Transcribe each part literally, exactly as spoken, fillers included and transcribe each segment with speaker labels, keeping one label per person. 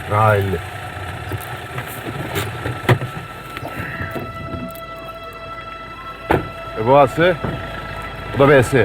Speaker 1: Ha elli. E bu A'sı, bu da B'si.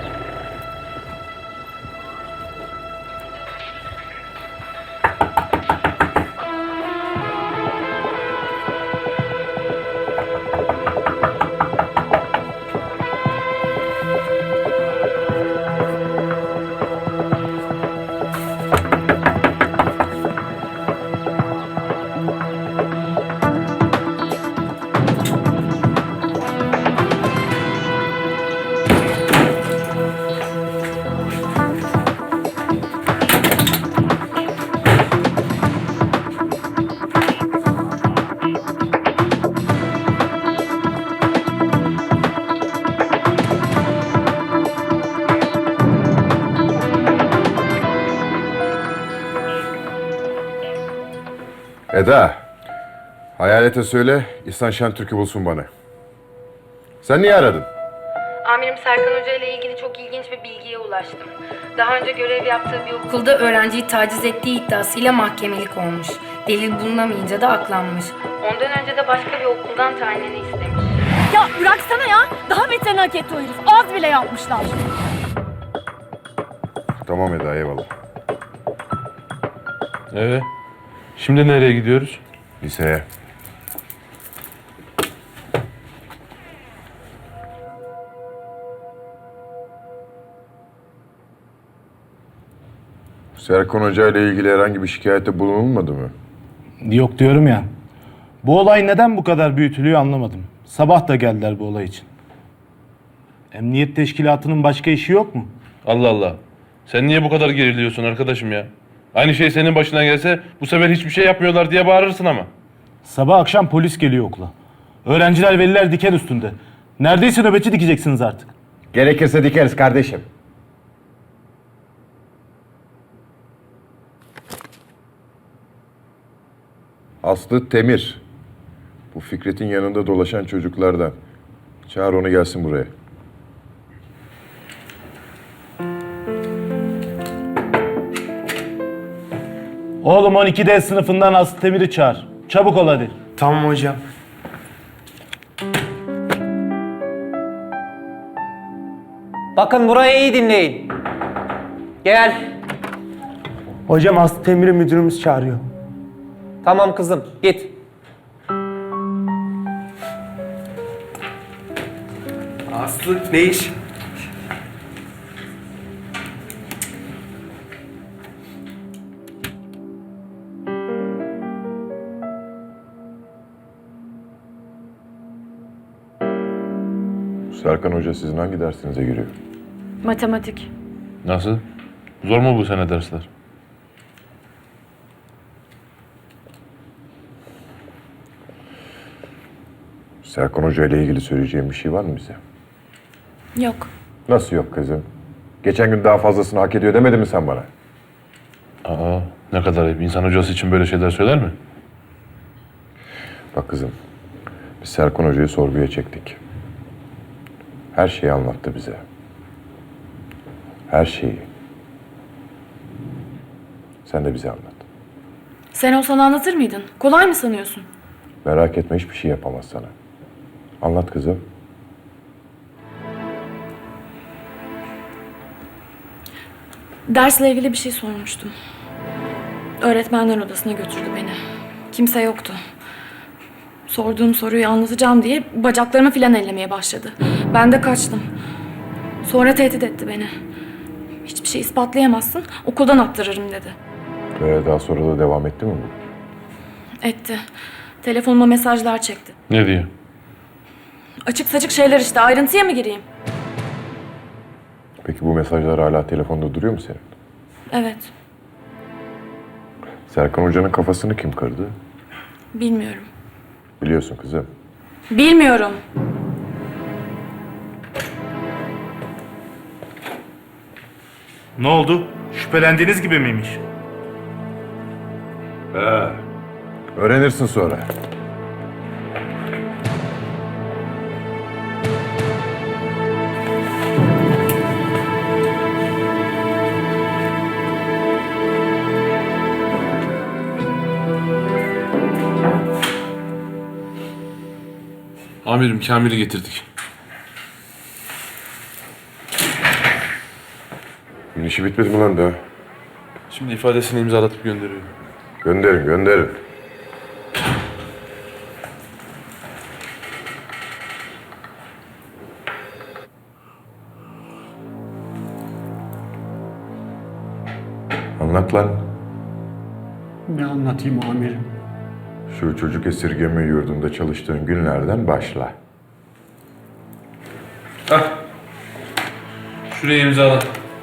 Speaker 1: Eda, Hayalet'e söyle, İhsan Şentürk'ü bulsun bana. Sen niye aradın?
Speaker 2: Amirim Serkan Hoca ile ilgili çok ilginç bir bilgiye ulaştım. Daha önce görev yaptığı bir okulda öğrenciyi taciz ettiği iddiasıyla mahkemelik olmuş. Delil bulunamayınca da aklanmış. Ondan önce de başka bir okuldan tayinini istemiş.
Speaker 3: Ya bıraksana ya. Daha beterini hak etti o herif. Az bile yapmışlar.
Speaker 1: Tamam Eda, eyvallah.
Speaker 4: Evet. Şimdi nereye gidiyoruz?
Speaker 1: Liseye. Serkan Hoca ile ilgili herhangi bir şikayette bulunulmadı mı?
Speaker 5: Yok diyorum ya. Bu olay neden bu kadar büyütülüyor anlamadım. Sabah da geldiler bu olay için. Emniyet teşkilatının başka işi yok mu?
Speaker 4: Allah Allah. Sen niye bu kadar geriliyorsun arkadaşım ya? Aynı şey senin başına gelse bu sefer hiçbir şey yapmıyorlar diye bağırırsın ama.
Speaker 5: Sabah akşam polis geliyor okula. Öğrenciler, veliler diken üstünde. Neredeyse nöbetçi dikeceksiniz artık.
Speaker 1: Gerekirse dikeriz kardeşim. Aslı Temir. Bu Fikret'in yanında dolaşan çocuklardan. Çağır onu gelsin buraya.
Speaker 5: Oğlum on iki D sınıfından Aslı Temir'i çağır. Çabuk ol hadi.
Speaker 6: Tamam hocam.
Speaker 7: Bakın burayı iyi dinleyin. Gel.
Speaker 6: Hocam Aslı Temir'i müdürümüz çağırıyor.
Speaker 7: Tamam kızım, git.
Speaker 6: Aslı ne iş?
Speaker 1: Serkan Hoca sizin hangi dersinize giriyor?
Speaker 2: Matematik.
Speaker 4: Nasıl? Zor mu bu sene dersler?
Speaker 1: Serkan Hoca ile ilgili söyleyeceğim bir şey var mı bize?
Speaker 2: Yok.
Speaker 1: Nasıl yok kızım? Geçen gün daha fazlasını hak ediyor demedin mi sen bana?
Speaker 4: Aa, ne kadar ayıp. İnsan hocası için böyle şeyler söyler mi?
Speaker 1: Bak kızım, biz Serkan Hoca'yı sorguya çektik. Her şeyi anlattı bize. Her şeyi. Sen de bize anlat.
Speaker 3: Sen olsan anlatır mıydın? Kolay mı sanıyorsun?
Speaker 1: Merak etme, hiçbir şey yapamaz sana. Anlat kızım.
Speaker 3: Dersle ilgili bir şey sormuştum. Öğretmenler odasına götürdü beni. Kimse yoktu. Sorduğum soruyu anlatacağım diye bacaklarımı filan ellemeye başladı. Ben de kaçtım. Sonra tehdit etti beni. Hiçbir şey ispatlayamazsın, okuldan attırırım dedi.
Speaker 1: Ee, daha sonra da devam etti mi bu?
Speaker 3: Etti. Telefonuma mesajlar çekti.
Speaker 4: Ne diyor?
Speaker 3: Açık saçık şeyler işte, ayrıntıya mı gireyim?
Speaker 1: Peki bu mesajlar hala telefonda duruyor mu senin?
Speaker 3: Evet,
Speaker 1: Serkan Hoca'nın kafasını kim kırdı?
Speaker 3: bilmiyorum.
Speaker 1: Biliyorsun kızım.
Speaker 3: Bilmiyorum.
Speaker 5: Ne oldu? Şüphelendiğiniz gibi miymiş?
Speaker 1: He. Öğrenirsin sonra.
Speaker 4: Amirim Kamil'i getirdik.
Speaker 1: Bunun işi bitmedi mi lan daha?
Speaker 4: Şimdi ifadesini imzalatıp gönderiyor.
Speaker 1: Gönderin, gönderin. Anlat lan.
Speaker 8: Ne anlatayım amirim?
Speaker 1: Şu çocuk esirgeme yurdunda çalıştığın günlerden başla.
Speaker 4: Hah. Şuraya imzala.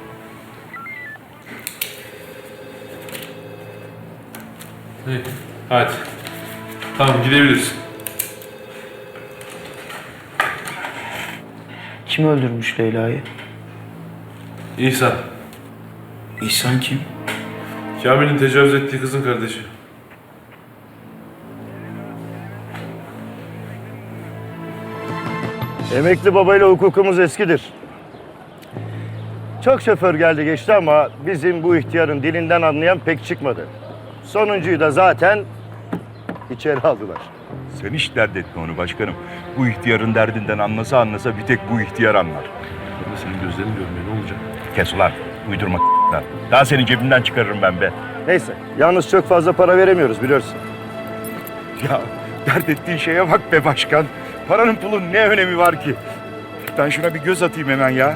Speaker 4: İyi, hadi. Tamam, gidebiliriz.
Speaker 6: Kim öldürmüş Leyla'yı?
Speaker 4: İhsan.
Speaker 8: İhsan kim?
Speaker 4: Kamil'in tecavüz ettiği kızın kardeşi.
Speaker 9: Emekli babayla hukukumuz eskidir. Çok şoför geldi geçti ama bizim bu ihtiyarın dilinden anlayan pek çıkmadı. Sonuncuyu da zaten içeri aldılar.
Speaker 10: Sen hiç dert etme onu başkanım. Bu ihtiyarın derdinden anlasa anlasa bir tek bu ihtiyar anlar.
Speaker 4: Ben de senin gözlerini görmeye ne olacak?
Speaker 10: Kes ulan, uydurma lan. Daha senin cebinden çıkarırım ben be.
Speaker 9: Neyse, yalnız çok fazla para veremiyoruz biliyorsun.
Speaker 10: Ya dert ettiğin şeye bak be başkan. Paranın pulun ne önemi var ki? Ben şuna bir göz atayım hemen ya.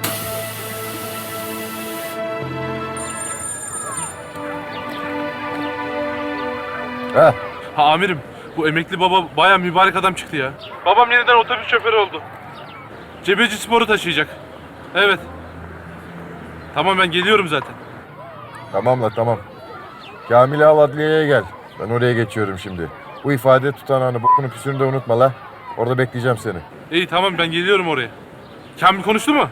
Speaker 1: Ha,
Speaker 4: Ha amirim, bu emekli baba bayağı mübarek adam çıktı ya. Babam yeniden otobüs şoförü oldu. Cebeci Spor'u taşıyacak. Evet. Tamam, ben geliyorum zaten.
Speaker 1: tamam la tamam. Kamil'i al adliyeye gel. Ben oraya geçiyorum şimdi. Bu ifade tutanağını, bokunu püsünü de unutma la. Orada bekleyeceğim seni.
Speaker 4: İyi tamam, ben geliyorum oraya. Kamil konuştu mu?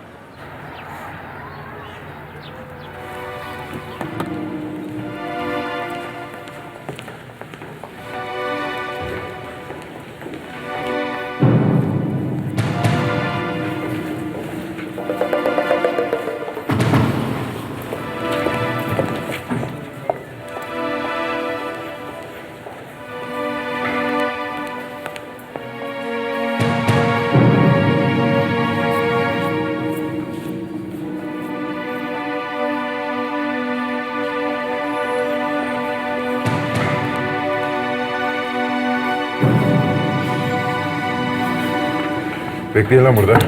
Speaker 1: Bekleyin lan burada.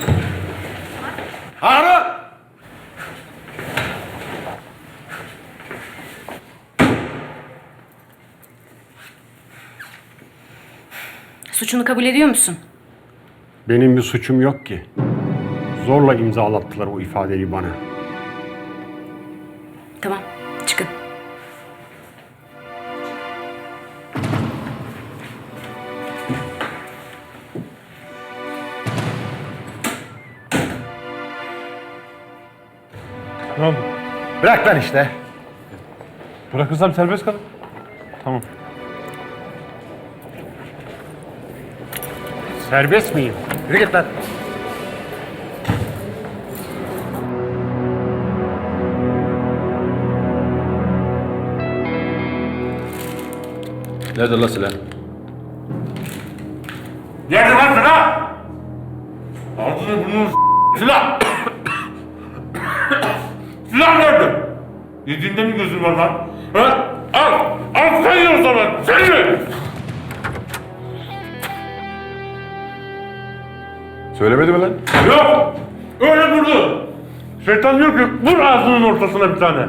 Speaker 2: Suçunu kabul ediyor musun?
Speaker 8: Benim bir suçum yok ki. Zorla imzalattılar o ifadeyi bana.
Speaker 2: Tamam, çıkın.
Speaker 4: Ne oldu?
Speaker 9: Bırak lan işte.
Speaker 4: Bırakırsam serbest kalın. Tamam.
Speaker 8: Serbest miyim?
Speaker 9: Yürü git lan.
Speaker 4: Nerede la silah?
Speaker 10: Nerede lan silah? Ağzını burnunu s- silah! Silah nerede? Yediğinde mi gözün var lan? Ha? Al! Al sen ye o zaman! Sen ye!
Speaker 1: Söylemedi mi lan?
Speaker 10: Yok! Öyle durdu! Şeytan diyor ki vur ağzının ortasına bir tane.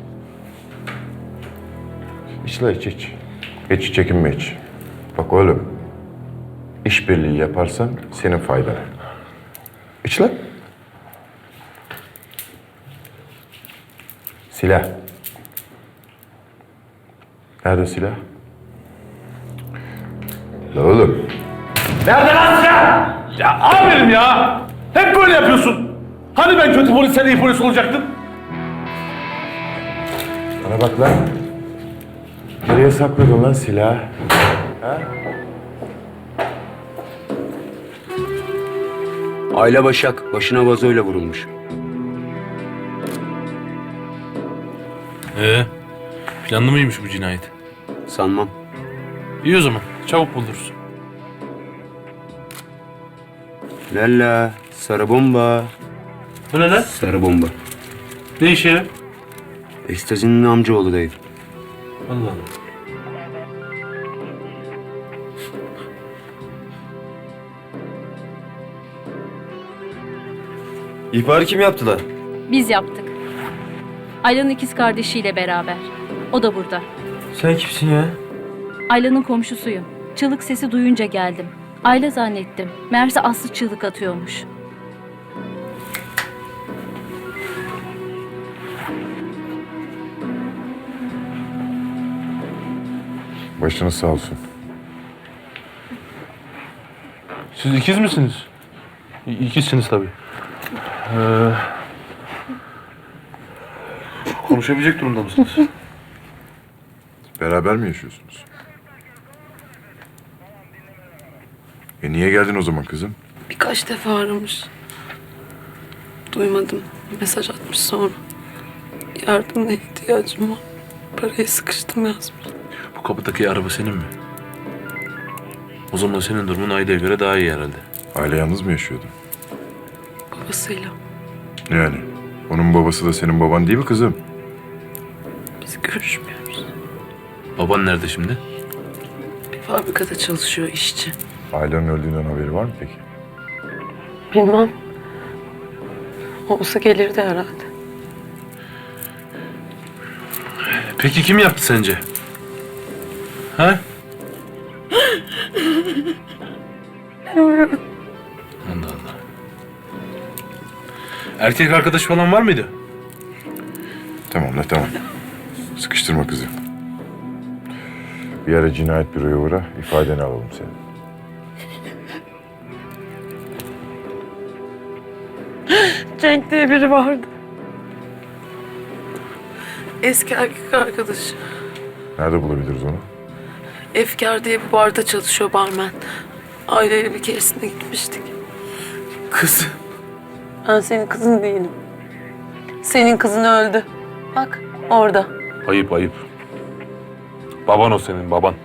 Speaker 1: İç la iç iç. Hiç çekinme hiç. Bak oğlum. İşbirliği yaparsan senin faydana. İç lan. Silah. Nerede silah? La oğlum.
Speaker 10: Nerede lan silah?
Speaker 4: Ya amirim ya! Hep böyle yapıyorsun. Hani ben kötü polis, sen iyi polis olacaktın?
Speaker 1: Bana bak lan. Nereye sakladın lan silahı?
Speaker 11: Ayla Başak başına vazoyla vurulmuş.
Speaker 4: Ee, planlı mıymış bu cinayet?
Speaker 11: Sanmam.
Speaker 4: İyi o zaman, çabuk buluruz.
Speaker 11: Lalla, sarı bomba.
Speaker 4: Bu ne lan?
Speaker 11: Sarı bomba.
Speaker 4: Ne işe yarar?
Speaker 11: Ekstazinin amcaoğlu dayı.
Speaker 4: Allah Allah.
Speaker 10: İhbarı kim yaptılar?
Speaker 12: Biz yaptık. Ayla'nın ikiz kardeşiyle beraber. O da burada.
Speaker 6: Sen kimsin ya?
Speaker 12: Ayla'nın komşusuyum. Çığlık sesi duyunca geldim. Ayla zannettim. Meğerse Aslı çığlık atıyormuş.
Speaker 1: Başınız sağ olsun.
Speaker 4: Siz ikiz misiniz? İ- İkizsiniz tabii. Ee, konuşabilecek durumda mısınız?
Speaker 1: Beraber mi yaşıyorsunuz? E niye geldin o zaman kızım?
Speaker 3: Birkaç defa aramış. Duymadım. Mesaj atmış sonra. Yardımına ihtiyacım var. Parayı sıkıştım yazmış.
Speaker 4: Bu kapıdaki araba senin mi? O zaman senin durumun Ayda'ya göre daha iyi herhalde.
Speaker 1: Aile yalnız mı yaşıyordu?
Speaker 3: Babasıyla.
Speaker 1: Yani onun babası da senin baban değil mi kızım?
Speaker 3: Biz görüşmüyoruz.
Speaker 4: Baban nerede şimdi?
Speaker 3: Bir fabrikada çalışıyor işçi.
Speaker 1: Ailenin öldüğünden haberi var mı peki?
Speaker 3: Bilmem. Olsa gelirdi herhalde.
Speaker 4: Peki kim yaptı sence? Ha? Allah Allah. Erkek arkadaş falan var mıydı?
Speaker 1: Tamam la tamam. Sıkıştırma kızı. Bir ara cinayet büroya uğra, ifadeni alalım senin.
Speaker 3: Cenk diye biri vardı. Eski erkek arkadaşı.
Speaker 1: Nerede bulabiliriz onu?
Speaker 3: Efkar diye bir barda çalışıyor barmen. Aileyle bir keresinde gitmiştik.
Speaker 6: Kız.
Speaker 3: Ben senin kızın değilim. Senin kızın öldü. Bak orada.
Speaker 4: Ayıp ayıp. Baban o senin baban.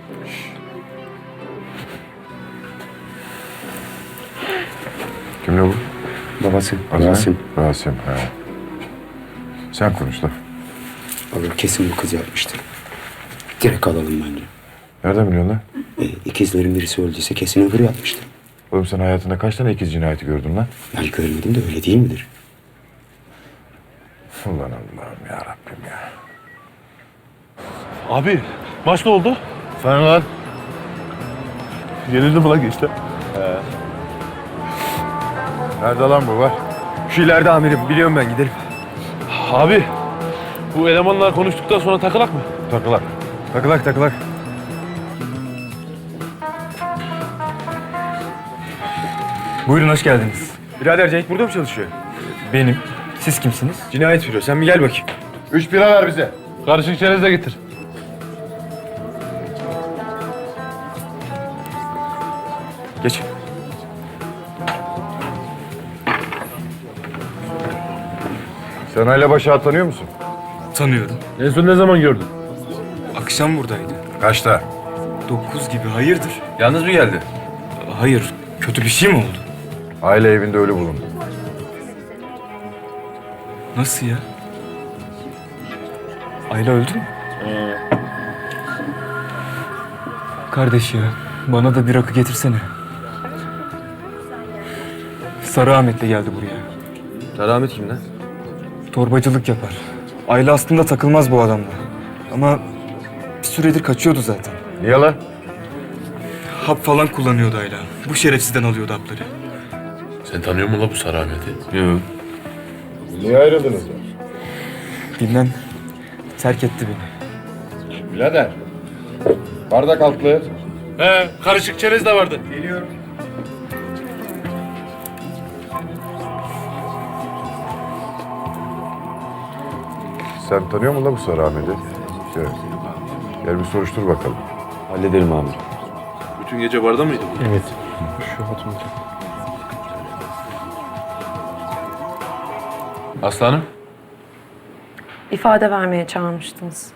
Speaker 1: Kimle bu?
Speaker 11: Babası.
Speaker 1: Adı ne?
Speaker 11: Rasim.
Speaker 1: Rasim. Ha. Sen konuş da.
Speaker 11: Abi kesin bu kız yapmıştır. Direkt alalım bence.
Speaker 1: Nereden biliyorsun lan?
Speaker 11: E, ikizlerin birisi öldüyse kesin öbürü yapmıştır.
Speaker 1: Oğlum sen hayatında kaç tane ikiz cinayeti gördün lan?
Speaker 11: Yani görmedim de öyle değil midir?
Speaker 1: Ulan Allah'ım ya Rabbim ya.
Speaker 4: Abi maç ne oldu?
Speaker 1: Sen lan.
Speaker 4: Yenildi mi lan işte?
Speaker 1: Nerede lan bu var?
Speaker 6: Şu ileride amirim. Biliyorum ben, gidelim.
Speaker 4: Abi bu elemanla konuştuktan sonra takılak mı?
Speaker 1: Takılak.
Speaker 6: Takılak takılak. Buyurun, hoş geldiniz. Birader, Cenk burada mı çalışıyor? Benim. Siz kimsiniz? Cinayet büro. Sen bir gel bakayım.
Speaker 1: Üç bira ver bize.
Speaker 4: Karışık çerez de getir.
Speaker 6: Geç.
Speaker 1: Sen Ayla Başak'ı tanıyor musun?
Speaker 6: Tanıyorum.
Speaker 4: En son ne zaman gördün?
Speaker 6: Akşam buradaydı.
Speaker 1: Kaçta?
Speaker 6: Dokuz gibi. Hayırdır?
Speaker 4: Yalnız mı geldi?
Speaker 6: Hayır. Kötü bir şey mi oldu?
Speaker 1: Aile evinde ölü bulundu.
Speaker 6: Nasıl ya? Ayla öldü mü? Kardeş ya, bana da bir rakı getirsene. Sarı Ahmet'le geldi buraya.
Speaker 10: Sarı Ahmet kim lan?
Speaker 6: Torbacılık yapar. Ayla aslında takılmaz bu adamla. Ama bir süredir kaçıyordu zaten.
Speaker 1: Niye lan?
Speaker 6: Hap falan kullanıyordu Ayla. Bu şerefsizden alıyordu hapları.
Speaker 4: Sen tanıyor musun la bu Sarı Ahmet'i?
Speaker 6: Yok.
Speaker 1: Niye ayrıldınız ya?
Speaker 6: Bilmem. Terk etti beni.
Speaker 1: Birader. Bardak altlı.
Speaker 4: He, karışık çerez de vardı.
Speaker 1: Geliyorum. Sen tanıyor musun lan bu Sarı Ahmet'i? Gel. Gel bir soruştur bakalım.
Speaker 10: Hallederim abi.
Speaker 4: Bütün gece barda mıydı bu?
Speaker 6: Evet.
Speaker 4: Aslanım.
Speaker 3: İfade vermeye çağırmıştınız.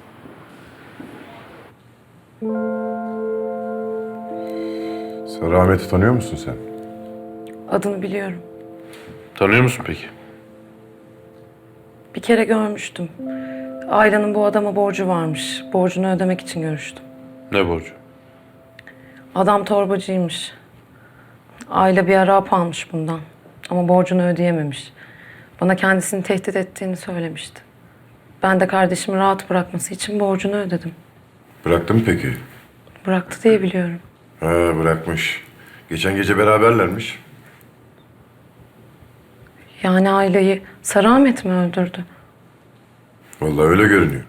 Speaker 1: Sarı Ahmet'i tanıyor musun sen?
Speaker 3: Adını biliyorum.
Speaker 4: Tanıyor musun peki?
Speaker 3: Bir kere görmüştüm. Ayla'nın bu adama borcu varmış. Borcunu ödemek için görüştüm.
Speaker 4: Ne borcu?
Speaker 3: Adam torbacıymış. Ayla bir ara hap almış bundan. Ama borcunu ödeyememiş. Bana kendisini tehdit ettiğini söylemişti. Ben de kardeşimi rahat bırakması için borcunu ödedim.
Speaker 1: Bıraktı mı peki?
Speaker 3: Bıraktı diye biliyorum.
Speaker 1: Ha, bırakmış. Geçen gece beraberlermiş.
Speaker 3: Yani Ayla'yı Sarı Ahmet mi öldürdü?
Speaker 1: Vallahi öyle görünüyor.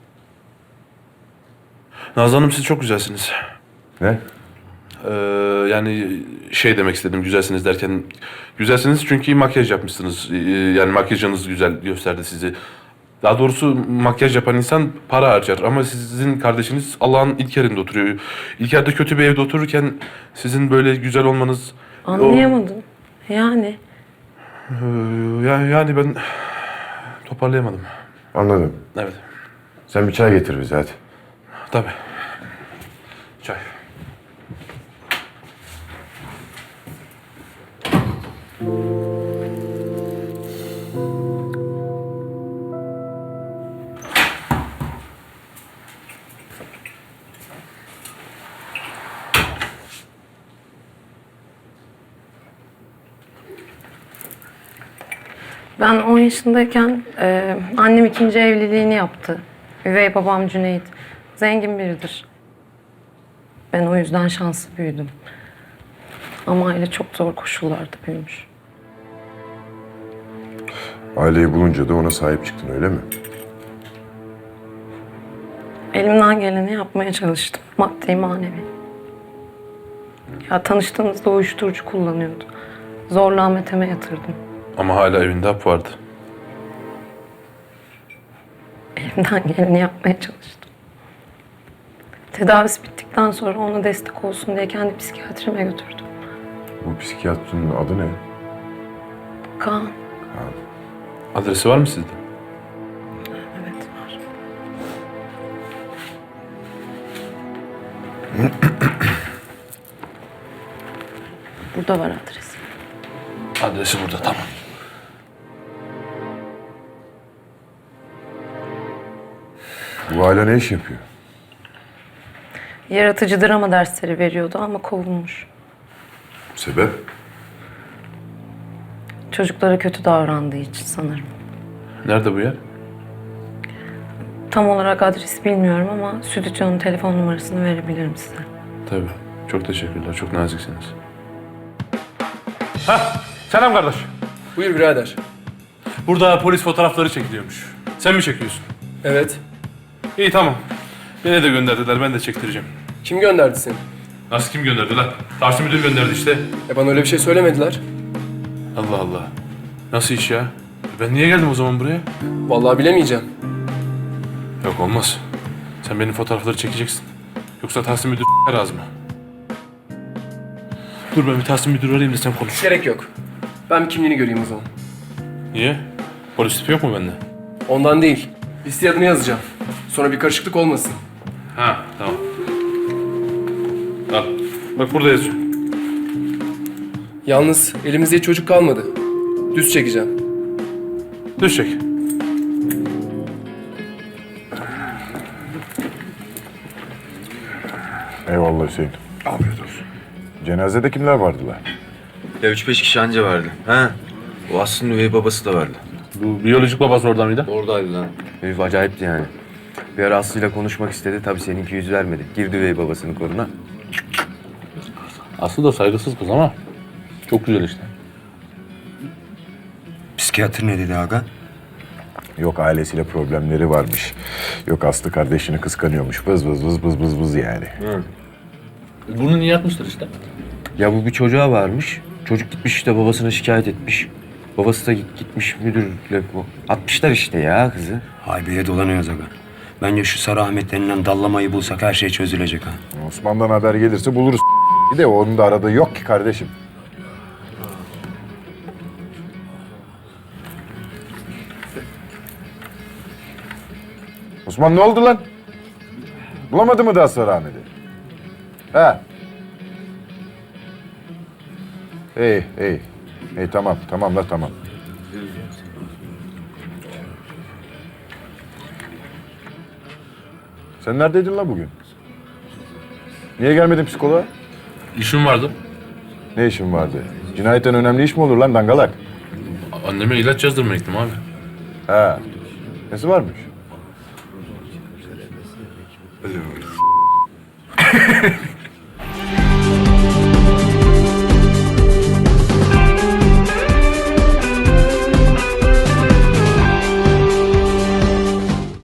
Speaker 4: Nazlı Hanım siz çok güzelsiniz.
Speaker 1: Ne?
Speaker 4: Ee, yani şey demek istedim güzelsiniz derken güzelsiniz çünkü makyaj yapmışsınız. Ee, yani makyajınız güzel gösterdi sizi. Daha doğrusu makyaj yapan insan para harcar ama sizin kardeşiniz Allah'ın ilk yerinde oturuyor. İlk yerde kötü bir evde otururken sizin böyle güzel olmanız...
Speaker 3: Anlayamadım. Yani
Speaker 4: O, Ee, yani, yani ben toparlayamadım.
Speaker 1: Anladım.
Speaker 4: Evet.
Speaker 1: Sen bir çay getir bize hadi.
Speaker 4: Tabii. Çay.
Speaker 3: ben on yaşındayken e, annem ikinci evliliğini yaptı. Üvey babam Cüneyt. Zengin biridir. Ben o yüzden şanslı büyüdüm. Ama aile çok zor koşullarda büyümüş.
Speaker 1: Aileyi bulunca da ona sahip çıktın öyle mi?
Speaker 3: Elimden geleni yapmaya çalıştım. Maddi manevi. Ya tanıştığımızda uyuşturucu kullanıyordu. Zorla Ahmet'e yatırdım.
Speaker 4: Ama hala evinde hap vardı.
Speaker 3: Elimden geleni yapmaya çalıştım. Tedavisi bittikten sonra ona destek olsun diye kendi psikiyatrime götürdüm.
Speaker 1: Bu psikiyatrının adı ne?
Speaker 3: Kaan.
Speaker 4: Adresi var mı sizde?
Speaker 3: Evet var. Burada var adresi.
Speaker 4: Adresi burada tamam.
Speaker 1: Bu aile ne iş yapıyor?
Speaker 3: Yaratıcı drama dersleri veriyordu ama kovulmuş.
Speaker 1: Sebep?
Speaker 3: Çocuklara kötü davrandığı için sanırım.
Speaker 4: Nerede bu yer?
Speaker 3: Tam olarak adresi bilmiyorum ama stüdyonun telefon numarasını verebilirim size.
Speaker 4: Tabii. Çok teşekkürler. Çok naziksiniz. Hah! Selam kardeş.
Speaker 6: Buyur birader.
Speaker 4: Burada polis fotoğrafları çekiliyormuş. Sen mi çekiyorsun?
Speaker 6: Evet.
Speaker 4: İyi tamam. Beni de gönderdiler. Ben de çektireceğim.
Speaker 6: Kim gönderdi seni?
Speaker 4: Nasıl kim gönderdi lan? Tahsin müdür gönderdi işte.
Speaker 6: E bana öyle bir şey söylemediler.
Speaker 4: Allah Allah. Nasıl iş ya? Ben niye geldim o zaman buraya?
Speaker 6: Vallahi bilemeyeceğim.
Speaker 4: Yok olmaz. Sen benim fotoğrafları çekeceksin. Yoksa Tahsin müdür razı mı? Dur ben bir Tahsin müdür arayayım da sen konuş.
Speaker 6: Gerek yok. Ben bir kimliğini göreyim o zaman.
Speaker 4: Niye? Polis tipi yok mu bende?
Speaker 6: Ondan değil. Listeye adını yazacağım. Sonra bir karışıklık olmasın.
Speaker 4: Ha tamam. Al. Bak burada yazıyor.
Speaker 6: Yalnız elimizde hiç çocuk kalmadı. Düz çekeceğim.
Speaker 4: Düz çek.
Speaker 1: Eyvallah Hüseyin. Afiyet olsun. Cenazede kimler vardılar?
Speaker 11: Ya üç beş kişi anca vardı. Ha? O aslında üvey babası da vardı.
Speaker 4: Bu biyolojik babası orada mıydı?
Speaker 11: Oradaydı lan. Herif acayipti yani. Bir ara Aslı'yla konuşmak istedi. Tabii seninki yüz vermedi. Girdi üvey babasının koluna.
Speaker 4: Aslı da saygısız kız ama çok güzel işte.
Speaker 11: Psikiyatr ne dedi aga?
Speaker 1: Yok ailesiyle problemleri varmış. Yok Aslı kardeşini kıskanıyormuş. Vız vız vız vız vız vız yani.
Speaker 4: Bunu niye yapmıştır işte?
Speaker 11: Ya bu bir çocuğa varmış. Çocuk gitmiş işte babasına şikayet etmiş. Babası da gitmiş müdürle bu. Atmışlar işte ya kızı.
Speaker 13: Haybeye dolanıyoruz aga. Bence şu Sarı Ahmet denilen dallamayı bulsak her şey çözülecek ha.
Speaker 1: Osman'dan haber gelirse buluruz. Bir de onun da aradığı yok ki kardeşim. Osman ne oldu lan? Bulamadı mı daha Sarı Ahmet'i? He. İyi, iyi. İyi tamam, tamam la tamam. Sen neredeydin la bugün? Niye gelmedin psikoloğa?
Speaker 4: İşim vardı.
Speaker 1: Ne işin vardı? Cinayetten önemli iş mi olur lan dangalak?
Speaker 4: Anneme ilaç yazdırmaya gittim abi.
Speaker 1: Ha. Nesi varmış?